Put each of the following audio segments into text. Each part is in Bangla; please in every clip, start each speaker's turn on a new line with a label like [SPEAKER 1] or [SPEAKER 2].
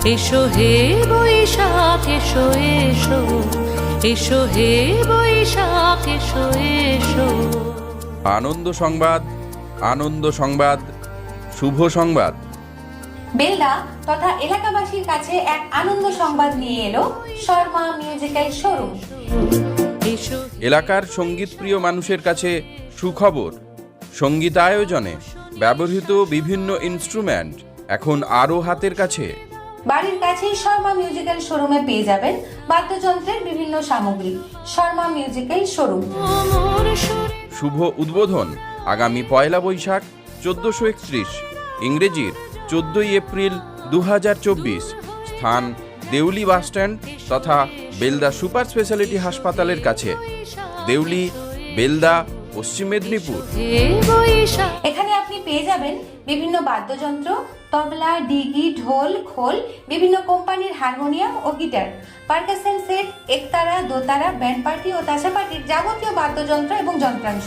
[SPEAKER 1] এসো হে বৈশাখ এসো এসো, এসো হে বৈশাখ এসো এসো।
[SPEAKER 2] আনন্দ সংবাদ, আনন্দ সংবাদ, শুভ সংবাদ।
[SPEAKER 3] বেলদা তথা এলাকাবাসীর কাছে এক আনন্দ সংবাদ নিয়ে এলো শর্মা মিউজিক্যাল শোরুম।
[SPEAKER 1] এসো
[SPEAKER 2] এলাকার সঙ্গীতপ্রিয় মানুষের কাছে সুখবর। সঙ্গীতায়োজনে ব্যবহৃত বিভিন্ন ইনস্ট্রুমেন্ট এখন আরও হাতের কাছে।
[SPEAKER 3] বাড়ির কাছেই শর্মা মিউজিক্যাল শোরুমে পেয়ে যাবেন বাদ্যযন্ত্রের বিভিন্ন সামগ্রী। Sharma musical showroom.
[SPEAKER 1] মোর সুরে
[SPEAKER 2] শুভ উদ্বোধন আগামী 1 বৈশাখ 1431, ইংরেজির 14 এপ্রিল 2024। স্থান দেউলি বাসস্ট্যান্ড তথা বেলদা সুপার স্পেশালিটি হাসপাতালের কাছে, দেউলি, বেলদা, পশ্চিম মেদিনীপুর।
[SPEAKER 1] হে বৈশাখ
[SPEAKER 3] এখানে আপনি পেয়ে যাবেন বিভিন্ন বাদ্যযন্ত্র, তবলা, ডিগি, ঢোল, খোল, বিভিন্ন কোম্পানির হারমোনিয়াম ও গিটার, পারকাশন সেট, একতারা, দোতারা, ব্যান্ড পার্টি ও তাসা পার্টির যাবতীয় বাদ্যযন্ত্র এবং যন্ত্রাংশ।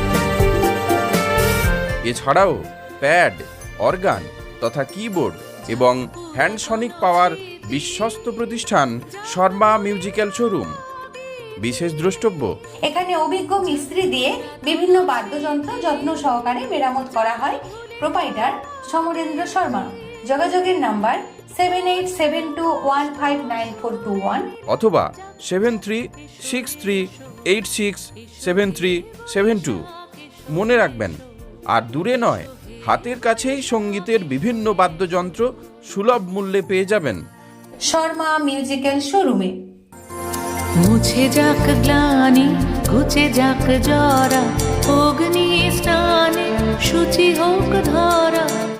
[SPEAKER 2] এছাড়াও প্যাড, অর্গান তথা কিবোর্ড এবং হ্যান্ডসনিক পাওয়ার বিশ্বস্ত প্রতিষ্ঠান শর্মা মিউজিক্যাল শোরুম। বিশেষ দ্রষ্টব্য,
[SPEAKER 3] এখানে অভিজ্ঞ মিস্ত্রি দিয়ে বিভিন্ন বাদ্যযন্ত্র যত্ন সহকারে মেরামত করা হয়। প্রোপাইটার সমরেন্দ্র শর্মা। যোগাযোগের নাম্বার 7872159421
[SPEAKER 2] অথবা 7363867372। মনে রাখবেন, আর দূরে নয়, হাতের কাছেই সঙ্গীতের বিভিন্ন বাদ্যযন্ত্র সুলভ মূল্যে পেয়ে যাবেন
[SPEAKER 3] শর্মা মিউজিক্যাল শোরুমে।
[SPEAKER 1] মুছে যাক গ্লানি ঘুচে যাক জরা, অগ্নি স্নানে শুচি হোক ধরা।